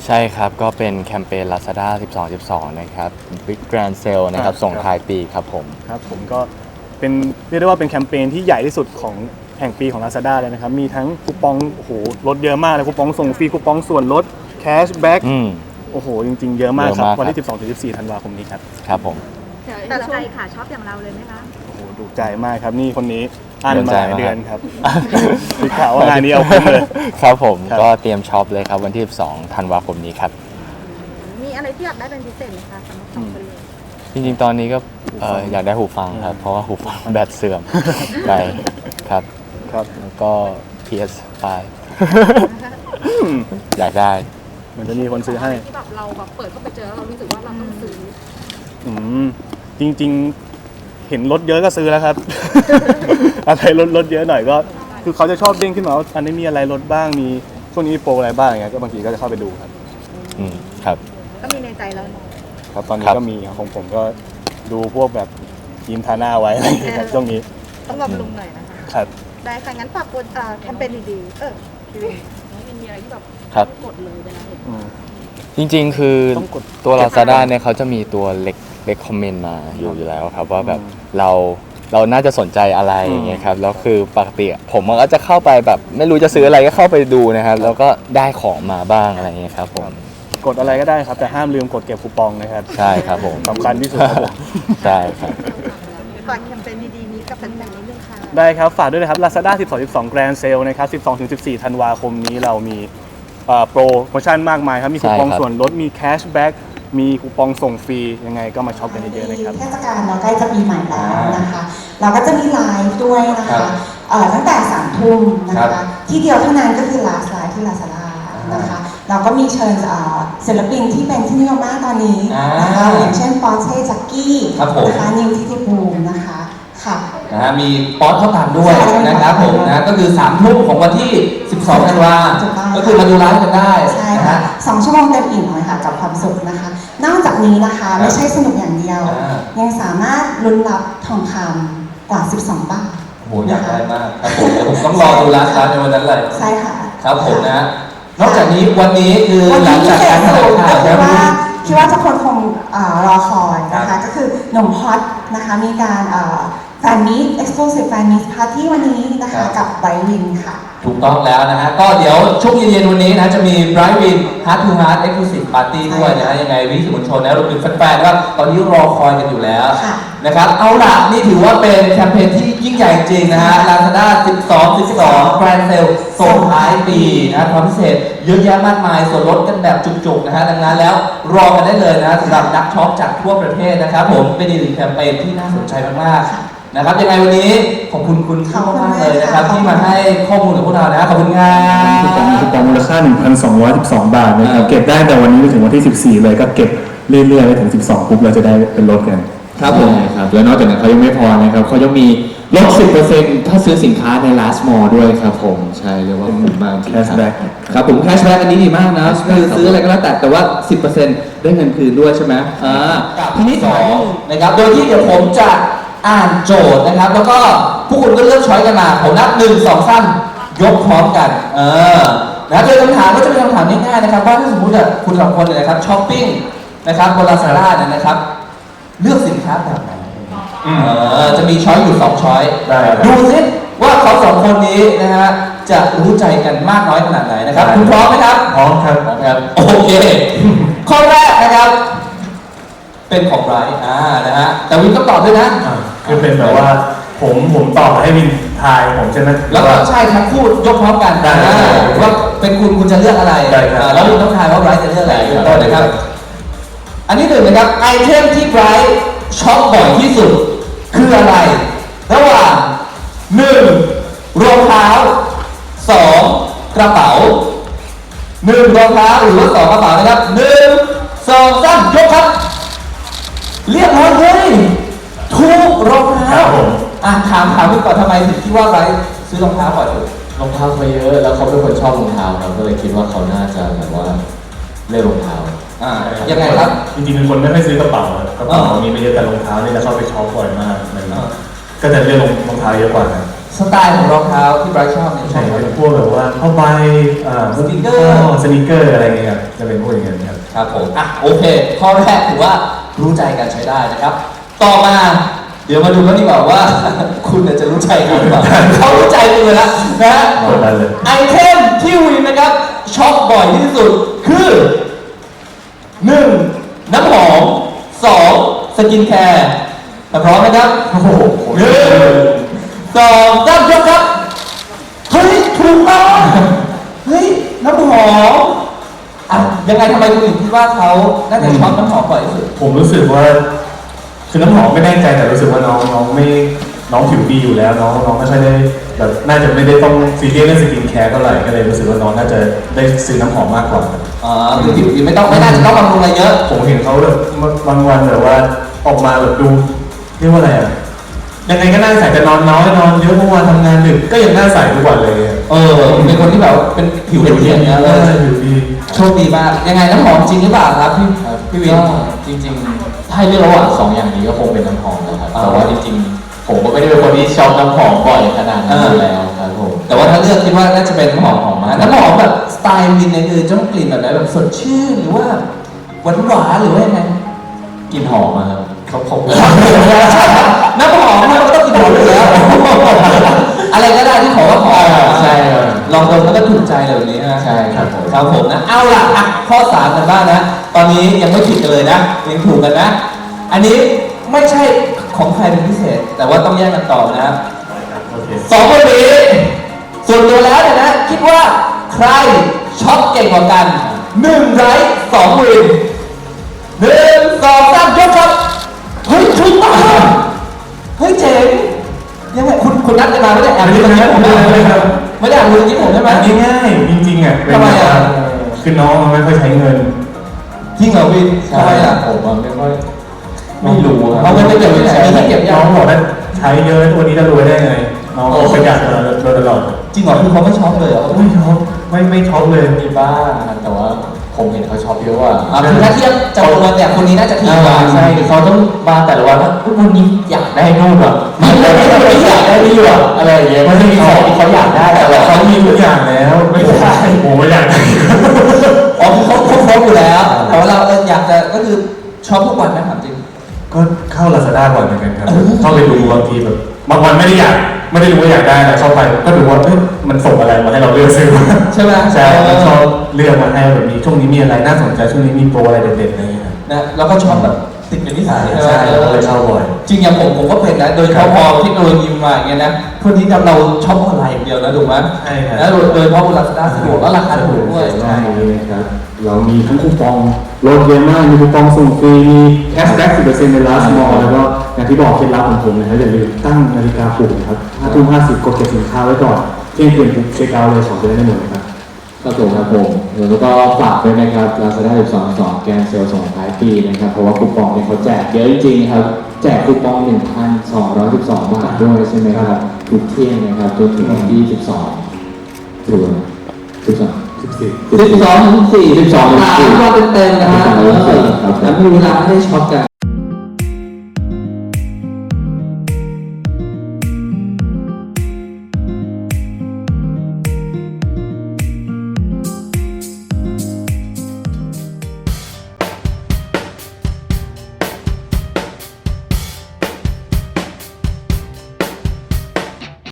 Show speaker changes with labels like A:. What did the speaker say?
A: ใช่ครับก็เป็นแคมเปญ Lazada 12.12 นะครับ Big Grand Sale นะครับส่งท้ายปีครับผม
B: ครับผมก็เป็นเรียกได้ว่าเป็นแคมเปญที่ใหญ่ที่สุดของแห่งปีของ Lazada เลยนะครับมีทั้งคูปองโอ้โหลดเยอะมากเลยคูปองส่งฟรีคูปองส่วนลดแคชแบ็กโอ้โหจริงๆเยอะมากครับวันที่ 12-14 ธันวาคมนี้ครับ
A: ครับผม
C: แต่ใจค่ะชอบอย่างเราเลยไหมคะ
B: โอ้โหดูใจมากครับนี่คนนี้อ่านมาหลายเดือนครับมีข่าวว่างานนี้เอาคุ้มเลย
A: ครับผมก็เตรียมช็อปเลยครับวันที่ 12 ธันวาคมนี้ครับ
C: มีอะไรที่อยากได้เป็นพิเศษไหมคะสำหรับสองคนเลย
A: จริงๆตอนนี้ก็อยากได้หูฟังครับเพราะว่าหูฟังแบตเสื่อมไปครับแล้วก็ PS5 อยากได้
B: มันจะมีคนซื้อให้
C: ที่แบบเราแบบเปิดเข้าไปเจอแล้วเรารู้สึกว่าเราต้องซื้อ
B: จริงๆเห็นรถเยอะก็ซื้อแล้วครับ อะไรรถเยอะหน่อยก็คือเขาจะชอบเด้งขึ้นมาว่าอันนี้มีอะไรลดบ้างมีช่วงนี้มีโปรอะไรบ้างอย่างเงี้ยก็บางทีก็จะเข้าไปดูครับ
A: ครับ
C: ก็มีในใจแล้ว
B: ครับตอนนี้ก็มีของผมก็ดูพวกแบบยีนทาหน้าไว้อะไรอย่างเงี้ยช่วงนี้
C: ต้องบำรุงหน่อยนะคะ
B: ครับ
C: ได้ค่ะงั้นฝากแคมเปญดีๆมีอะไรที่แบบกดเลยเวลาเห็น
A: จริงๆคือตัว Lazada เนี่ยเขาจะมีตัวเล็กคอมเมนต์มาอยู่แล้วครับว่าแบบเราน่าจะสนใจอะไรอย่างเงี้ยครับแล้วคือปกติผมก็จะเข้าไปแบบไม่รู้จะซื้ออะไรก็เข้าไปดูนะครับแล้วก็ได้ของมาบ้างอะไรเงี้ยครับผม
B: กดอะไรก็ได้ครับแต่ห้ามลืมกดเก็บคูปองนะครับ
A: ใช่ครับผม
B: สำคัญที่สุดครับผม
A: ใช่ครับ
C: ฝากแคมเปญดีๆนี้กับแฟนๆนิดนึงค่ะ
B: ได้ครับฝากด้วยนะครับ Lazada 12.12 Grand Sale นะครับ 12-14 ธันวาคมนี้เรามีโปรโมชั่นมากมายครับมีคูปองส่วนลดมีแคชแบ็กมีคูปองส่งฟรียังไงก็มาช็อปกันเยอะๆนะครับ
D: เทศกาลเราใกล้จะปีใหม่แล้วนะคะเราก็จะมีไลฟ์ด้วยนะคะตั้งแต่3 ทุ่มนะคะที่เดียวเท่านั้นก็คือ Last Live ที่ Lazada นะคะเราก็มีเชิญศิลปินที่เป็นที่นิยมมากตอนนี้นะคะอย่างเช่นปอร์เช่แจ็คกี้นะคะนิวทิติภูมินะคะค่ะ
E: มีป๊อตเข้าตามด้วยนะครับผมนะก็คือ3 ทุ่มของวันที่ 12 ธันวาก็คือมาดูไลฟ์กันได้
D: ใช่ค่ะ2 ชั่วโมงเต็มอิ่มเลยค่ะกับความสุขนะคะนอกจากนี้นะคะไม่ใช่สนุกอย่างเดียวยังสามารถลุ้นรับทองคำกว่า12 บาท
E: โหอยากได้มากครับผมเดี๋ยวผมต้องรอดูไลฟ์ในวันนั้นเลย
D: ใช่ค่ะ
E: ครับผมนะนอกจากนี้วันนี้คือหลังจากการแถลงข่าว
D: คิดว่าทุกคนคงรอคอยนะคะก็คือหนุ่มฮอตนะคะมีการแฟนมีต Exclusive Fan Meet Party วันนี้นะคะกับไบรท์วินค่ะ
E: ถูกต้องแล้วนะฮะก็เดี๋ยวช่วงเย็นๆวันนี้นะจะมีไบรท์วิน Heart to Heart Exclusive Party ด้วยนะฮะยังไงวิสื่อมวลชนนะรวมถึงแฟนๆว่าตอนนี้รอคอยกันอยู่แล้วนะครับเอาล่ะนี่ถือว่าเป็นแคมเปญที่ยิ่งใหญ่จริงนะฮะ Lazada 12 Grand Sale ส่งท้ายปีนะความพิเศษเยอะแยะมากมายส่วนลดกันแบบจุกๆนะฮะดังนั้นแล้วรอกันได้เลยนะสำหรับนักช็อปจากทั่วประเทศนะครับผมเป็นอีกหนึ่งแคมเปญที่น่าสนใจมากๆนะครับยังไงวันนี้ขอบคุณคุณมากเลยนะครับที่มาให้ข้อมูลกับพวกเรานะขอบคุณครับ
B: คูปองมูลค่า 1,212 บาทนะครับเก็บได้แต่วันนี้ถึงวันที่ 14 เลยก็เก็บเรื่อยๆไปถึง 12 ปุ๊บเราจะได้เป็นลดกัน
E: ครับผม
F: ครับแล้วนอกจากนั้นเขายังไม่พอนะครับเขายังมีลด 10% ถ้าซื้อสินค้าใน Last Mall ด้วยครับผมใช่เรียกว่าคุ้มมาก
B: แคชแบ็ก
F: ครับผมแคชแบ็กอันนี้ดีมากนะคือซื้ออะไรก็แล้วแต่ว่า 10% ได้เงินคืนด้วยใช่ไหม
E: ทีนี้2นะครับโดยที่เดี๋ยวผมจะอ่านโจทย์นะครับแล้วก็ผู้คุณก็เลือกช้อยกันมาผมนับ1 2 3ยกพร้อมกันนะโดยคำถามก็จะเป็นคำถามง่ายๆนะครับว่าถ้าสมมติคุณ2 คนเนี่ยนะครับช้อปปิ้งนะครับบน Lazada เนี่ยนะครับเลือกสินค้าแบบไหนจะมีช้อยอยู่2ช้อยดูซิว่าเขา2 คนนี้นะฮะจะรู้ใจกันมากน้อยขนาดไหนนะครับคุณพร้อมไหมครับ
B: พร้อมครับ
E: โอเคข้อแรกนะครับเป็นของไบรท์นะฮะแต่วินต้องตอบด้วยนะ
B: คือเป็นแบบว่าผมตอบให้วินทายผมใช่ไหม
E: แล้วก็ใช่ทั้งคู่ยกพร้อมกันว่าเป็นคุณจะเลือกอะไรแล้ววินต้องทายว่าไบรท์จะเลือกอะไรต้นนะครับอันที่1นะครับไอเทมที่ไบรท์ช็อปบ่อยที่สุดคืออะไรระหว่าง1รองเท้า2กระเป๋า1รองเท้าหรือว่า2กระเป๋านะครับ1 2 3ยกครับเรียบร้อยเลยถูกรองเท้าถามพี่ก่อนทำไมถึงคิดว่าไบรท์ซื้อรองเท้าบ่อยสุด
F: รองเท้าเขาเยอะแล้วเขาเป็นคนชอบรองเท้าครับก็เลยคิดว่าเขาน่าจะแบบว่าเลือกรองเท้า
E: ยังไงครับ
B: จริงๆเป็นคนไม่ค่อยซื้อกระเป๋ากระเป๋ามีไม่เยอะแต่รองเท้านี่จะเข้าไปช็อปบ่อยมากก็จะเลือกรองเท้าเยอะกว่านะ
E: สไตล์ของรองเท้าที่ไบรท์ชอบเนี่ย
B: ใช่เป็นพวกแบบว่าผ้าใบ
E: สนิเกอร์
B: อะไรเงี้ย
G: จะเป็นพวกอย่างเงี้ยครับ
E: ครับผมอ่ะโอเค ข้อแรกถือว่ารู้ใจกันใช้ได้นะครับ ต่อมาเดี๋ยวมาดูกันดีกว่าว่า คุณเนี่ยจะรู้ใจกันหรือเปล่า เขารู้ใจคุณเลยละนะฮะ
G: เอาได้เลย
E: ไอเทมที่วินนะครับช็อปบ่อยที่สุดคือ 1. น้ำหอม 2. สกินแคร์พร้อมไหมครับโอ้โห1 2 3ยกครับเฮ้ยถูกต้องเฮ้ยน้ำหอมอ่ะยังไงทำไมคุณถึงคิดว่าเขาน่าจะช็อปน้ำหอมบ่อยที่สุด
G: ผมรู้สึกว่าคือน้ำหอมไม่แน่ใจแต่รู้สึกว่าน้องไม่น้องผิวดีอยู่แล้วน้องไม่ค่อยได้แบบน่าจะไม่ได้ต้องซีเรียสเรื่องสกินแคร์เท่าไหร่ก็เลยรู้สึกว่าน้องน่าจะได้ซื้อน้ำหอมมากกว่า
E: อ๋อคือผิวดีไม่น่าจะต้องบำรุงอะไรเยอะ
G: ผมเห็นเขาแบบบางวันแบบว่าออกมาแบบดูเรียกว่าอะไรอ่ะยังไงก็น่าใส่แต่นอนน้อยนอนเยอะเมื่อวานทำงานดึกก็ยังน่าใส่ทุกวันเลยอะ
E: เป็นคนที่แบบเป็นผิวเนียนๆนะเลย
G: ผิวดี
E: โชคดีมากยังไงน้ำหอมจริงหรือเปล่าครับพี่วิน
F: ก็จริงๆ ถ้าให้เลือกระหว่าง2อย่างนี้ก็คงเป็นน้ำหอมนะครับ แต่ว่าจริงๆ ผมก็ไม่ได้เป็นคนที่ชอบน้ำหอมบ่อยขนาดนั้นอยู่แล้วครับผม
E: แต่ว่าถ้าเลือกคิดว่าน่าจะเป็นน้ำหอมมากน้ำหอมแบบสไตล์วินเนี่ยคือจะต้องกลิ่นแบบไหนแบบสดชื่นหรือว่าหวานหรือว่ายังไง
F: กลิ่นหอมอะครับ
G: เขาผม
E: น้ำหอมมันก็ต้องกลิ่นหอมอยู่แล้ว อะไรก็ได้ที่ขอว่าหอม
F: ใช่ครับ
E: ลองดมแล้วก็ถูกใจเลยแบบนี้นะ
F: ใช่ครับผม
E: ครับผมนะเอาล่ะอ่ะข้อ3กันบ้างนะ ตอนนี้ยังไม่ผิดกันเลยนะยังถูกกันนะ อันนี้ไม่ใช่ของใครเป็นพิเศษ แต่ว่าต้องแยกกันต่อนะครับ
G: โอเค
E: สองคนนี้ส่วนตัวแล้วเนี่ยนะ คิดว่าใครช็อปเก่งกว่ากัน1ไร้2วิน1 2 3ยกครับเฮ้ยถูกต้องเฮ้ยเจ๋งยังไงคุณนัดกันมาไม่ได้แอบดูตรงนี้ผมไม่ได้ไม่ได้แอบดูตรงนี้ผมใช่ไหม
G: อันนี้ง่ายจริงๆอ่ะเป็น
E: ทำไมอ่ะ
G: คือน้องมันไม่ค่อยใช้เงิน
E: จริงเหรอวิน
F: ใช่
E: ทำไมอ่ะ
F: ผมอะไม่ค่อยไม่รู้ครับ
E: เอาเงินไปเก็บไว้ไหนมีที่เก็บยั
G: น้
E: ง
G: องบอกว่าใช้เยอะตัวนี้จะรวยได้ไงน้องประหยัดมาโดยตลอด
E: จริงเหรอคือเขาไม่ช็อปเลยเหรอ
G: ไม่ช็อปไม่ช็อปเลย
F: มีบ้างครับแต่ว่าผมเห็นเขาชอบเยอะกว่า
E: คือถ้าเทียบจำนวนเนี่ยคนนี้น่าจะถี่กว่า
F: ใช่เขาต้องมาแต่ละวันว่าอุ๊ยวันนี้อยากได้นู่นแบบมันไม่อยากได้นี่แบบอะไรอย่างเงี้ยมันจะมีของที่เขาอยากได้แต่
G: แต่
F: เรา
G: เขามีทุกอย่างแล้วไม่ใช่ผมไม่อยากได้
E: อ๋อคือเขาครบอยู่แล้ว แต่ว่าเราอยากจะก็คือช็อปทุกวันนะถามจริง
G: ก็เข้า Lazada บ่อยเหมือนกันครับเข้าไปดูบางทีแบบบางวันไม่ได้รู้ว่าอยากได้อะไรเข้าไปก็ดูว่าเอ้ยมันส่งอะไรมาให้เราเลือกซื้อ
E: ใช่ไหม
G: ใช่มันชอบเลือกมาให้แบบนี้ช่วงนี้มีอะไรน่าสนใจช่วงนี้มีโปรอะไรเด็ดๆอะไรอย่างเงี้ยครับ
E: นะแล้วก็ช็อปแบบติดเป็นนิสัย
G: ใช่เราเลยเข้าบ่อย
E: จริงอย่างผมก็เป็นนะ โดยเฉพาะพอเทคโนโลยีมาอย่างเงี้ยนะทุกนี้เราช็อปออนไลน์อย่างเดียวนะถูกไหม
G: ใช่ครับ
E: แล้วโดยเฉพาะบน Lazada สะดวกแล้วราคาถูกด้วย
F: ใช่ครับเรามีทั้งคูปองลดเยอะมากมีคูปองส่งฟรีมีแคชแบ็ก 10% ใน last mall แล้วก็อย่างที่บอกเคล็ดลับของผมนะครับอย่าลืมตั้งนาฬิกาปลุกนะครับ5 ทุ่ม 50กดเก็บสินค้าไว้ก่อนเที่ยงคืนปุ๊บเช็คเอาท์เลยของจะได้ไม่หมดนะครับครับผมครับผมแล้วก็ฝากด้วยนะครับ Lazada 12.2 แกนเซลล์ส่งท้ายปีนะครับเพราะว่าคูปองเนี่ยเขาแจกเยอะจริงๆครับแจกคูปอง 1,212 บาทด้วยใช่ไหมครับทุกเที่ยงนะครับจนถึงวันที่12ถึง12 12 ถึง 4 12 ถึง 4 12 เต็มๆนะฮะแล้วมีเวลาให้ได้ช็อปกัน